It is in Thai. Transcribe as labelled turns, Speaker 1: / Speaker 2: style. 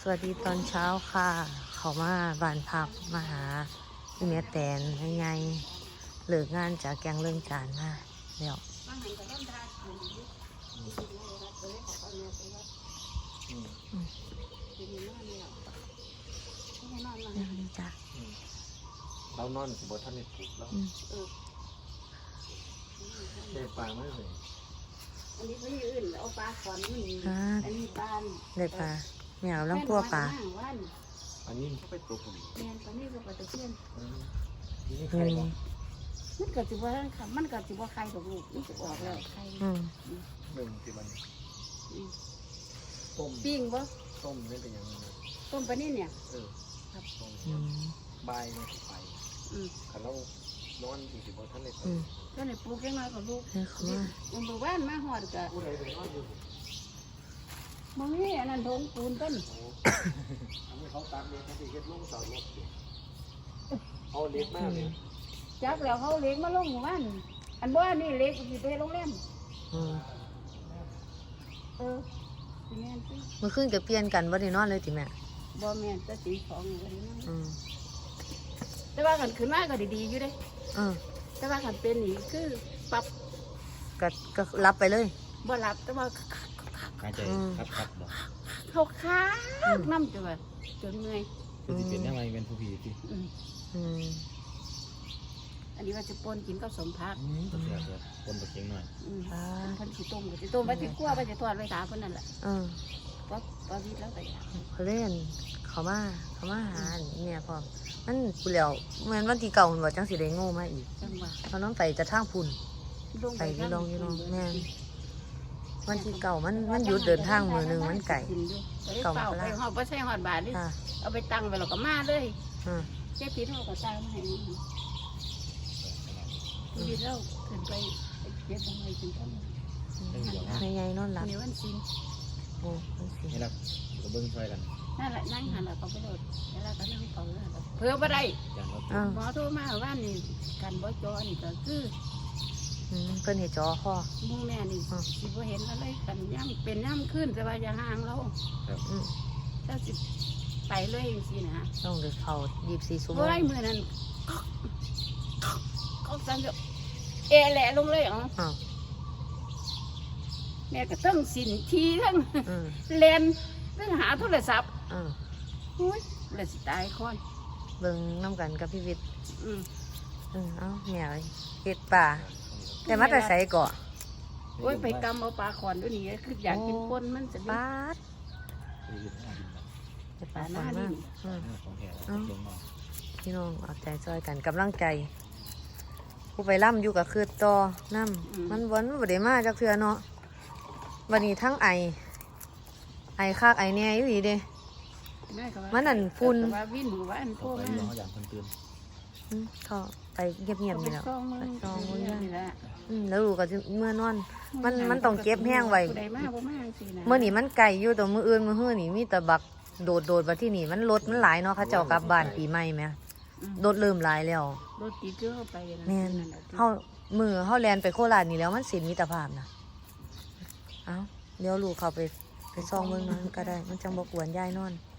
Speaker 1: สวัสดีตอนเช้าค่ะเขามาบ้านพักมาหาพี่เมียแตนยังไงเลิกงานจากแกงเรื่องจานมาแล้วนี่จ้ะ
Speaker 2: เรานอนสิบท่านในปลุกแล้วได้ปลาไม่เลย
Speaker 3: อันนี้ไม่อื่นเอาปลาขอนนี่อันนี้บ้าน
Speaker 1: ได้ปลาเนี่ยเราต้องคั่วปลา
Speaker 2: อันนี้เขาไปปลุกผม
Speaker 3: แมนตอนนี้ก็ปลาตะเพียน
Speaker 2: นี่ใครบอก
Speaker 3: มันเกิดจิบว่าค่ะมันเกิดจิบว่าใครกับลูกนี่จะออกแล้วใคร
Speaker 2: หนึ่งที่มันต้ม
Speaker 3: ปิ้งบ่
Speaker 2: ต้มนี่เป็นยังไง
Speaker 3: ต้มปลานี่เนี่ย
Speaker 2: ครับต้มใบเนี่ยไปขันเรานอนสิบท่านในปลุก
Speaker 3: ก็ในปลูกแค่น้อยกับลูกมันบอกว่ามาหอดกับ
Speaker 2: ผู้ใดเป็นนอนอยู่
Speaker 3: มึงนี่อันนั้นทงปูนต้น
Speaker 2: อันนี้เขาตามเลี้ยงเขาติดลงเสาลบเอาเล็กมากเลย
Speaker 3: จับแล้วเขาเล็กมาลงหมู่บ้านอันบ้านนี่เล็กอยู่ไปโรงแรมแม่
Speaker 1: มันขึ้นจะเปลี่ยนกันบ่ได้นอนเลยติแม่
Speaker 3: บ่แม่จะตีของอยู่นี่แต่ว่ากันขึ้นมาก็ดีๆอยู่เด้แต่ว่ากันเป็นนี่คือปรับ
Speaker 1: ก็รับไปเลย
Speaker 3: บ่รับแต่ว่า
Speaker 2: หายใจคับบ่
Speaker 3: เขาค้างน้ำจนเมื่อย
Speaker 2: คือสิเป็นยังไงเป็นผู้ผีที่
Speaker 3: อันนี้ว่าจะปนกินก็สมพัก
Speaker 2: ปนตะเคียงหน่อย
Speaker 3: พันสิต้มก็จะต้มไปจะคั่วไปจะทอดไปถามคนนั่นแหละพอวิทย์แล้วไป
Speaker 1: เขาเล่นเขามาหาเนี่ยพอมันกูแล้วเหมือนวันที่เก่ามันบอกจังสิได้โง่มาอีกเขาน้องไปจะทางพุ่นไปยี่ลองแม่วันที่เก่ามันหยุดเดินทางมือหนึ่งมันไก่
Speaker 3: เก่าไปหอบไม่ใช่หอดบาทดิเอาไปตั้งไปเราก็มาเลยเจ๊พีเท่ากับตั้งมาให้พีเท่าขึ้นไปเจ๊ทำไมถึงต้อง
Speaker 1: ในไงนอนหลับ
Speaker 3: ในวันซิน
Speaker 2: นี่แหละก็เบิ้งช่วยกัน
Speaker 3: นั่นแหละนั่งหันหลังเขาไปโดดแล้วก็นั่งเขาเพื่อบ่ได้หมอโทรมาว่านี่กันบ่จอนี่ก็คือ
Speaker 1: เพิ่นเห็นจอข้อ
Speaker 3: มูแม่นี่สิบ่เห็นอะไรกันย่ำเป็นย่ำขึ้นแต่ว่าอย่าห่างเราเจ้าสิไปเลยสินะ
Speaker 1: ต้องเดือดเขา24 ชั่วโมง
Speaker 3: เฮ้ยมือนั้นเขาสั่งจะแหละลงเลยแม่ก็ต้องสินทีทั้งเลนต้องหาโทรศัพท์เลยสิตายค่อย
Speaker 1: เบิ่งน้ำกันกับพี่วิทย์เอาแม่เห็ดป่าแต่มาแต่ใส่เกาะ
Speaker 3: โอ้ยไปกำเอาปลาขอนด้วยนี่คืออยากกินปนมันจะ
Speaker 1: ปาด
Speaker 3: ปลาหน้าดิ
Speaker 1: พี่น้องเอาใจซอยกันกำลังใจผู้ไปล่ำอยู่กับคือต่อน้ำมันวนบ่ได้มาจากเทือเนาะวันนี้ทั้งไอคากไอแน่อยู่ดีเด้มันนั่นฝุ่น
Speaker 3: วิ่งหมู่บ้านพวกนั้น
Speaker 1: เขาไปเงียบๆนี่แหละซองมือแล้วลูกก็เมื่อนอนมันต้องเก็บแห้งไว้เมื่อนี่มันไก่อยู่ตัวมืออื่นมือหื้อนี่มีแต่บักโดดมาที่นี่มันรถมันหลายเนาะเขาเจ้ากลับบ้านปีใหม่ไหมรถเริ่มหลายแล้ว
Speaker 3: รถตีเกลือไป
Speaker 1: แม่เขาแลนไปโคราชนี่แล้วมันสินมิตรภาพนะเอ้าเดี๋ยวลูกเขาไปซองเมืองนั้นก็ได้มันจังบกวนยายนอน